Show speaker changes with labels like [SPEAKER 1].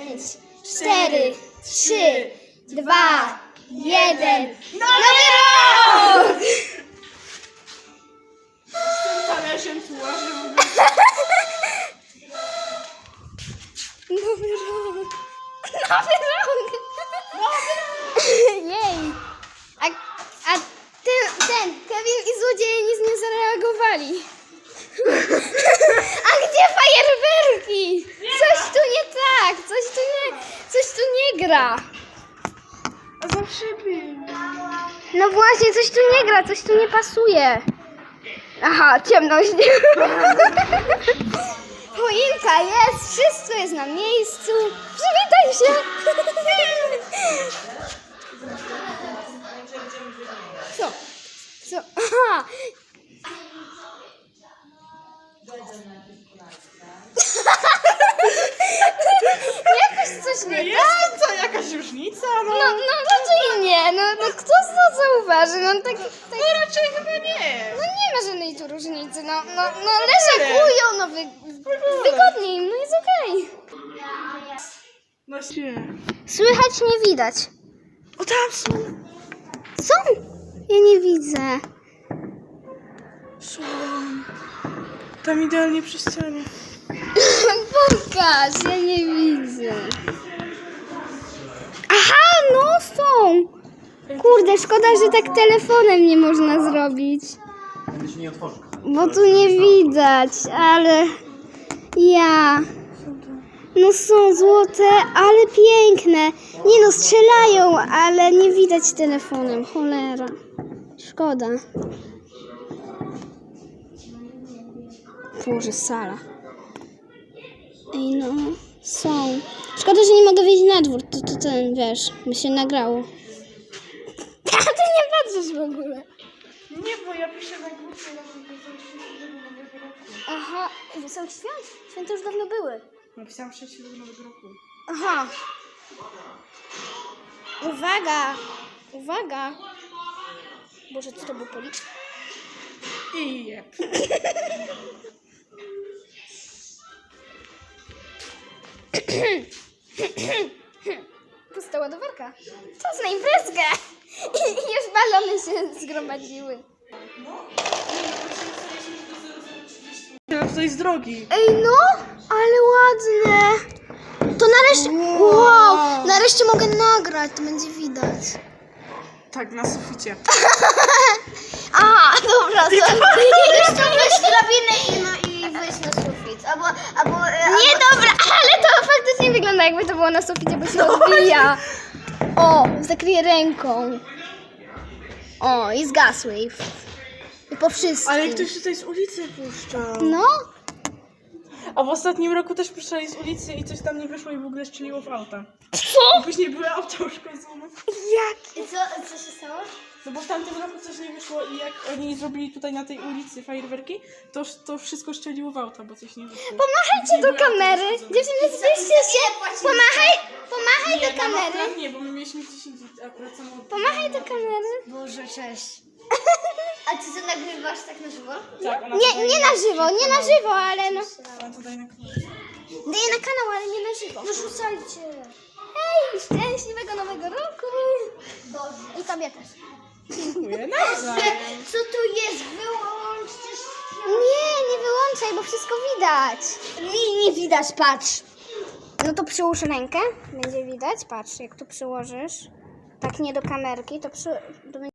[SPEAKER 1] 5, 4, 3, 2, 1. Nowy rok!
[SPEAKER 2] Z tym talerzem tu łażę w ogóle.
[SPEAKER 1] Nowy rok! Nowy rok! Jej! A ten Kevin i złodzieje nic nie zareagowali. A gdzie fajerwerki? Coś tu nie tak, coś tu nie gra.
[SPEAKER 2] A zawsze był.
[SPEAKER 1] No właśnie, coś tu nie gra, coś tu nie pasuje. Aha, ciemność. Choinka jest, wszystko jest na miejscu. Przywitaj się. Co? Co? Aha. Jakoś coś nie
[SPEAKER 2] Jest to jakaś różnica, no.
[SPEAKER 1] No raczej nie, no kto to zauważy, no tak,
[SPEAKER 2] No raczej chyba nie.
[SPEAKER 1] no nie ma żadnej tu różnicy, no leżakują, no wygodniej im, no jest okej.
[SPEAKER 2] No się.
[SPEAKER 1] Słychać nie widać.
[SPEAKER 2] O tam są.
[SPEAKER 1] Są? Ja nie widzę.
[SPEAKER 2] Są. Tam idealnie przy ścianie.
[SPEAKER 1] Pokaż, ja nie widzę. Aha, no są. Kurde, szkoda, że tak telefonem nie można zrobić. Bo tu nie widać, ale ja. No są złote, ale piękne. Nie no, strzelają, ale nie widać telefonem. Cholera. Szkoda. Boże, sala. Ej no, są. Szkoda, że nie mogę wyjść na dwór. To ten, wiesz, by się nagrało. A ty nie patrzysz w ogóle.
[SPEAKER 2] Nie, bo ja piszę na grupie na nowego roku.
[SPEAKER 1] Aha, Wesołych Świąt? Święta już dawno były.
[SPEAKER 2] Napisałam szczęśliwego nowego roku.
[SPEAKER 1] Aha. Uwaga. Uwaga. Boże, co to był policz?
[SPEAKER 2] I jeb.
[SPEAKER 1] Pusta ładowarka. Czas na imprezkę. I już balony się zgromadziły.
[SPEAKER 2] Teraz to jest drogi.
[SPEAKER 1] Ej no, ale ładne. To nareszcie, wow, nareszcie mogę nagrać, to będzie widać.
[SPEAKER 2] Tak, na suficie.
[SPEAKER 1] A, dobra, to
[SPEAKER 3] Weź drabinę i wyjść na sufit.
[SPEAKER 1] nie, dobra, ale to faktycznie wygląda, jakby to było na suficie, bo się odbija. O, zakryję ręką. O, i zgasły. I po wszystkim.
[SPEAKER 2] Ale ktoś tutaj z ulicy puszczał.
[SPEAKER 1] No,
[SPEAKER 2] A w ostatnim roku też puszczali z ulicy i coś tam nie wyszło i w ogóle strzeliło w auta.
[SPEAKER 1] co?
[SPEAKER 2] Później były auta uszkodzone.
[SPEAKER 1] Jak?
[SPEAKER 3] I co się stało?
[SPEAKER 2] No bo w tamtym roku coś nie wyszło i jak oni zrobili tutaj na tej ulicy fajerwerki, to wszystko strzeliło w auta, bo coś nie wyszło.
[SPEAKER 1] Pomachajcie
[SPEAKER 2] Nie
[SPEAKER 1] do
[SPEAKER 2] były auta
[SPEAKER 1] kamery.
[SPEAKER 2] uszkodzone.
[SPEAKER 1] Dziewczyny, zbliżcie się. Pomachaj
[SPEAKER 2] Nie,
[SPEAKER 1] do kamery.
[SPEAKER 2] akurat nie, bo my mieliśmy gdzieś indziej akurat samochód.
[SPEAKER 1] Pomachaj do kamery.
[SPEAKER 3] Boże, cześć. A ty co nagrywasz tak na żywo?
[SPEAKER 2] Tak, ona
[SPEAKER 1] Nie,
[SPEAKER 2] tutaj
[SPEAKER 1] nie na żywo, nie na żywo, ale no.
[SPEAKER 2] Ona tutaj na kanale.
[SPEAKER 1] Daję na kanał, ale nie na żywo.
[SPEAKER 3] No rzucajcie.
[SPEAKER 1] Hej, szczęśliwego nowego roku.
[SPEAKER 3] Boże.
[SPEAKER 1] I tobie też.
[SPEAKER 2] Dziękuję, nawzajem.
[SPEAKER 3] Co tu jest? Wyłączcie
[SPEAKER 1] Nie wyłączaj, bo wszystko widać.
[SPEAKER 3] nie widać, patrz.
[SPEAKER 1] No to przyłóż rękę, będzie widać. Patrz, jak tu przyłożysz. Tak nie do kamerki, to będzie